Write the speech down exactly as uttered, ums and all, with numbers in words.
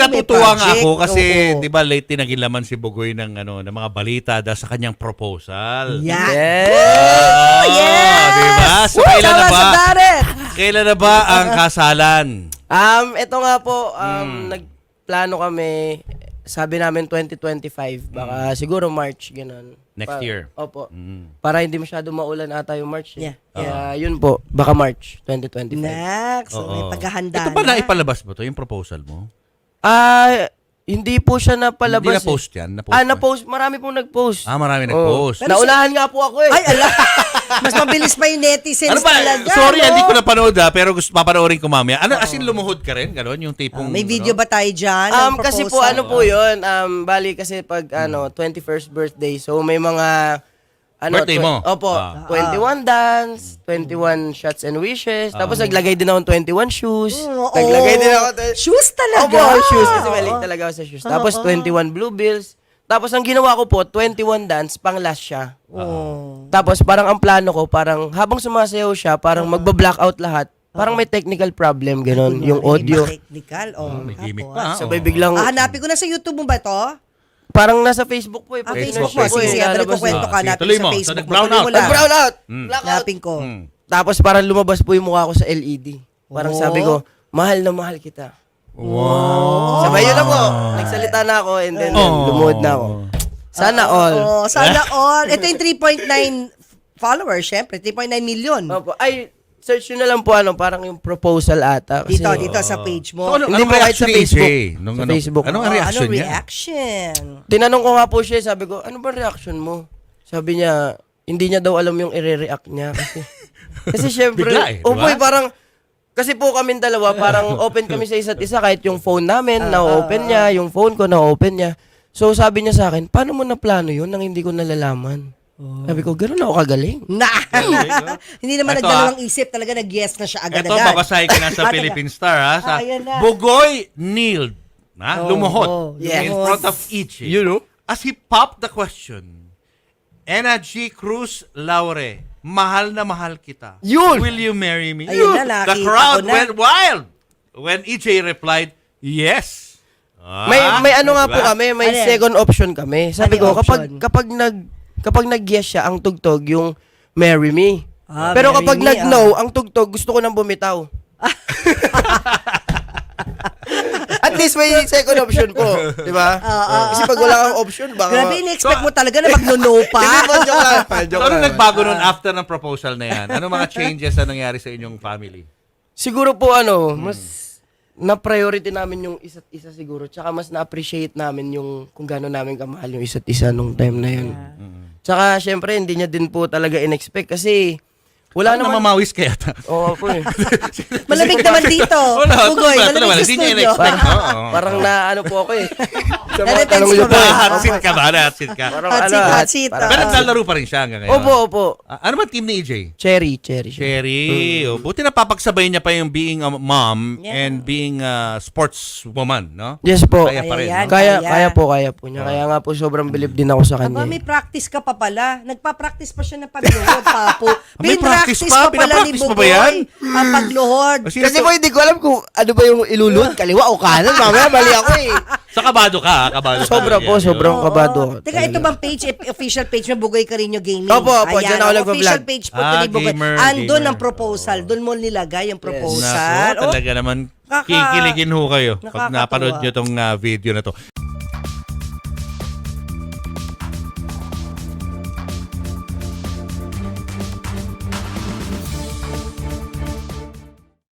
natutuwa nga project. ako kasi, Oo. di ba, late din naging laman si Bugoy ng, ano, ng mga balita dahil sa kanyang proposal. Yan. Yes! Oh, yes! Di ba? So, Woo! kailan na Tama ba? sa Darren! Kailan na ba ang kasalan? Um, ito nga po, um, Hmm. nagplano kami, sabi namin twenty twenty-five, baka siguro March, ganun. Next Pa- year. Opo. Mm. Para hindi masyado maulan ata yung March. Eh. Yeah. Kaya yun po, baka March twenty twenty-five. Next. So, may Oo. paghahanda Ito ba na. naipalabas mo to, yung proposal mo? Ah, hindi po siya napalabas. Hindi eh. na-post yan? Na-post Ah, ba? na-post. Marami pong nag-post. Ah, marami Oo. nag-post. Naunahan nga po ako eh. Ay, ala. Mas mabilis pa yung netizens Ano ba? talaga. Sorry, no? hindi ko napanood ha, pero gusto papanoorin ko mamaya. Ano, as in lumuhod ka rin? Ganon, yung tipong... Ah, may video ano? ba tayo dyan? Um, ng kasi po proposal? ano po yun, um, bali kasi pag ano, twenty-first birthday, so may mga ano, Birthday tw- mo? Opo, Ah. twenty-one dance, twenty-one shots and wishes, tapos naglagay din ako ng twenty-one shoes, Oo. naglagay din ako tw- Shoes talaga. Opo, shoes kasi mali Oo. talaga ako sa shoes. Tapos twenty-one blue bills. Tapos ang ginawa ko po, twenty-one dance, pang last siya. Oh. Tapos parang ang plano ko, parang habang sumasayaw siya, parang magba-blackout lahat. Parang may technical problem, ganun, yung audio. May technical. Oh, May gimmick tapos. pa. ha? Sabay Oo. biglang, Ah, hanapin ko na sa YouTube mo ba to? parang nasa Facebook po eh. Ah, Pag Facebook Facebook, mo. Sige, Facebook. sige. Dali ko lalabas kwento Ah, ka. sige, Hanapin tuloy sa mo. So, Facebook. nag-brown Tuloy out. mo lang. Nag-brown out! Mm. Blackout! Hanapin ko. Hmm. Tapos parang lumabas po yung mukha ko sa L E D. Parang Oh. sabi ko, mahal na mahal kita. Wow. Sabay yun na po. Nagsalita na ako and then Oh. lumuhod na ako. Sana all. Oh, sana all. Ito yung three point nine followers, syempre. three point nine million. Opo. Ay, search nyo na lang po ano, parang yung proposal ata. Kasi, Dito, dito sa page mo. So, ano, Hindi anong po kahit reaction sa ni A J? Facebook. Nung, Sa ano, Facebook. Anong Oh, reaction anong niya? reaction? Tinanong ko nga po siya, sabi ko, ano ba reaction mo? Sabi niya, hindi niya daw alam yung i-react niya kasi. Kasi syempre, Bigla eh, di oh ba? boy, parang, kasi po kami dalawa, parang open kami sa isa't isa, kahit yung phone namin, Ah, na-open niya, yung phone ko, na-open niya. So sabi niya sa akin, paano mo na plano yun nang hindi ko nalalaman? Sabi ko, gano'n ako kagaling. Na. Hindi naman Ito, nagdalawang isip. Talaga nag-yes na siya Ito, agad-agad. babasahin ko na sa Ah, Philippine Star, ha? Sa Ah, ayan na. Bugoy kneeled, ha? Oh, lumuhod, oh, Yes. in lumuhod. front of Ichi. You know? As he popped the question, Ena G. Cruz Laure, mahal na mahal kita. Yun! Will you marry me? Ayun na, The nakita crowd ko na. went wild when E J replied, yes. Ah, May may ano nga diba? po kami, may Ano yan? second option kami. Sabi Ano yung ko kapag option? kapag nag kapag nag-yes siya ang tugtog yung marry me. Ah, Pero marry kapag me, nag-no ang tugtog, gusto ko nang bumitaw. At least may second option po, di ba? Kasi pag wala kang option, baka Grabe, in-expect mo talaga na mag-no pa. Hindi po, joke lang. So, Joke ano lang. nagbago nun after ng proposal na yan? Ano mga changes na nangyari sa inyong family? Siguro po ano, mas na-priority namin yung isa't isa siguro. Tsaka mas na-appreciate namin yung kung gaano namin kamahal yung isa't isa nung time na yun. Tsaka syempre hindi niya din po talaga in-expect kasi wala Ano naman. mamawis kaya ta? Oo po eh. Malamig naman dito. Wala, Bugoy, wala, malamig wala, sa hindi niya studio. in-expect. Oo. Parang na ano po ako eh. Sa mga Na-tense tanong ka niyo ba? po. Ah, hot seat ka ba? Hot seat ka. Parang Hot ano, seat, hot hot- seat. parang- Pero naglalaro pa rin siya hanggang ngayon. Opo, opo. Ah, ano ba team ni E J? Cherry, cherry. siya. Cherry. Oh, buti napapagsabay niya pa yung being a mom Yeah. and being a sportswoman, no? Yes po. Kaya pa rin, Ayan. no? Kaya, Kaya. kaya po, kaya po niya. Kaya nga po sobrang bilib din ako sa Aba, kanya. may practice ka pa pala. Nagpa-practice pa siya ng pagluhod, papo. May practice Pinractice pa? pa pala ni Pinapractice pa ba Bugoy yan? ang pagluhod. Kasi Kasi po hindi ko alam kung ano ba yung ilulod, kaliwa o kanan. Mamaya mali ako eh. sa kabado ka, ha? kabado ka. Sobra po, Yan, sobrang Oo. kabado ako. Teka, ito bang page, eh, official page mo, Bugoy Carino Gaming? Opo, opo, Ayan, dyan ako ang nagpa-vlog. official page po Ah, ni Bugoy. gamer, Andun gamer. ang proposal. Doon mo nilagay yung Nako, proposal. Oh, talaga naman Kaka- kikiligin ho kayo pag Nakakatuwa. napanood nyo tong ah, video na to.